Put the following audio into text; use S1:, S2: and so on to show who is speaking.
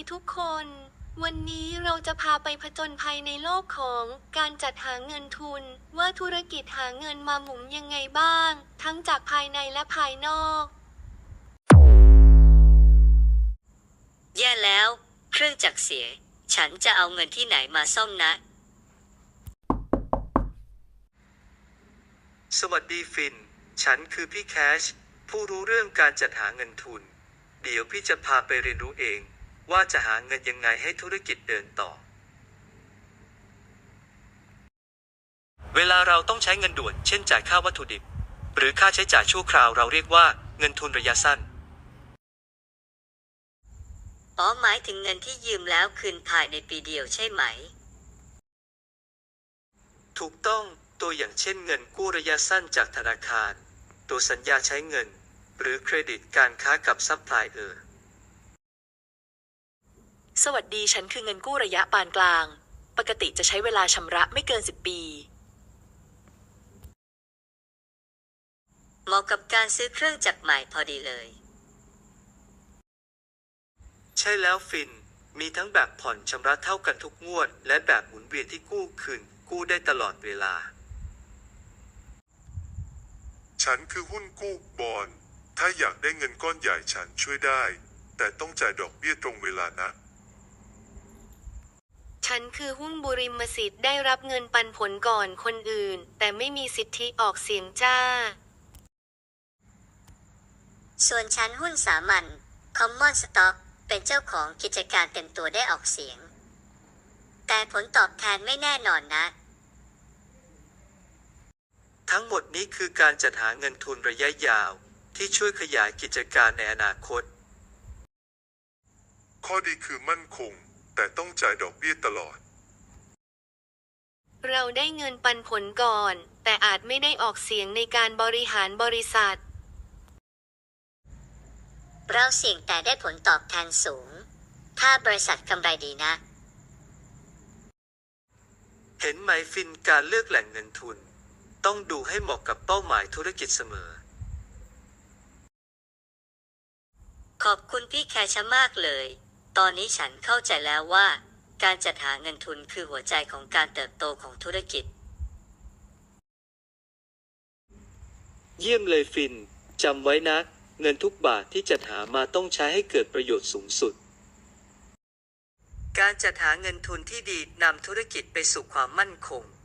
S1: ทุกคน วันนี้เราจะพาไปผจญภัยในโลกของการจัดหาเงินทุนว่าธุรกิจหาเงินมาหมุนยังไงบ้าง ทั้งจากภายในและภายนอก
S2: แย่แล้วเครื่องจักรเสียฉันจะเอาเงินที่ไหนมาซ่อมนะ
S3: สวัสดีฟิน ฉันคือพี่แคชผู้รู้เรื่องการจัดหาเงินทุน เดี๋ยวพี่จะพาไปเรียนรู้เองว่าจะหาเงินยังไงให้ธุรกิจเดินต่อ เวลาเราต้องใช้เงินด่วนเช่นจ่ายค่าวัตถุดิบหรือค่าใช้จ่ายชั่วคราวเราเรียกว่าเงินทุนระยะสั้น
S2: หมายถึงเงินที่ยืมแล้วคืนภายในปีเดียวใช่ไหม
S3: ถูกต้องตัวอย่างเช่นเงินกู้ระยะสั้นจากธนาคารตัวสัญญาใช้เงินหรือเครดิตการค้ากับซัพพลายเออร์
S4: สวัสดีฉันคือเงินกู้ระยะปานกลางปกติจะใช้เวลาชำระไม่เกิน10 ปี
S2: เหมาะกับการซื้อเครื่องจักรใหม่พอดีเลย
S3: ใช่แล้วฟินมีทั้งแบบผ่อนชำระเท่ากันทุกงวดและแบบหมุนเวียนที่กู้คืนกู้ได้ตลอดเวลา
S5: ฉันคือหุ้นกู้บอนด์ถ้าอยากได้เงินก้อนใหญ่ฉันช่วยได้แต่ต้องจ่ายดอกเบี้ยตรงเวลานะ
S1: ฉันคือหุ้นบุริมสิทธิ์ได้รับเงินปันผลก่อนคนอื่นแต่ไม่มีสิทธิออกเสียงจ้า
S2: ส่วนฉันหุ้นสามัญ Common Stock เป็นเจ้าของกิจการเต็มตัวได้ออกเสียงแต่ผลตอบแทนไม่แน่นอนนะ
S3: ทั้งหมดนี้คือการจัดหาเงินทุนระยะยาวที่ช่วยขยายกิจการในอนาคต
S5: ข้อดีคือมั่นคงแต่ต้องจ่ายดอกเบี้ยตลอด
S1: เราได้เงินปันผลก่อนแต่อาจไม่ได้ออกเสียงในการบริหารบริษัท
S2: เราเสี่ยงแต่ได้ผลตอบแทนสูงถ้าบริษัทกำไรดีนะ
S3: เห็นไหมฟินการเลือกแหล่งเงินทุนต้องดูให้เหมาะกับเป้าหมายธุรกิจเสมอ
S2: ขอบคุณพี่แคชมากเลยตอนนี้ฉันเข้าใจแล้วว่าการจัดหาเงินทุนคือหัวใจของการเติบโตของธุรกิจ
S3: เยี่ยมเลยฟินจำไว้นะเงินทุกบาทที่จัดหามาต้องใช้ให้เกิดประโยชน์สูงสุดการจัดหาเงินทุนที่ดีนำธุรกิจไปสู่ความมั่นคง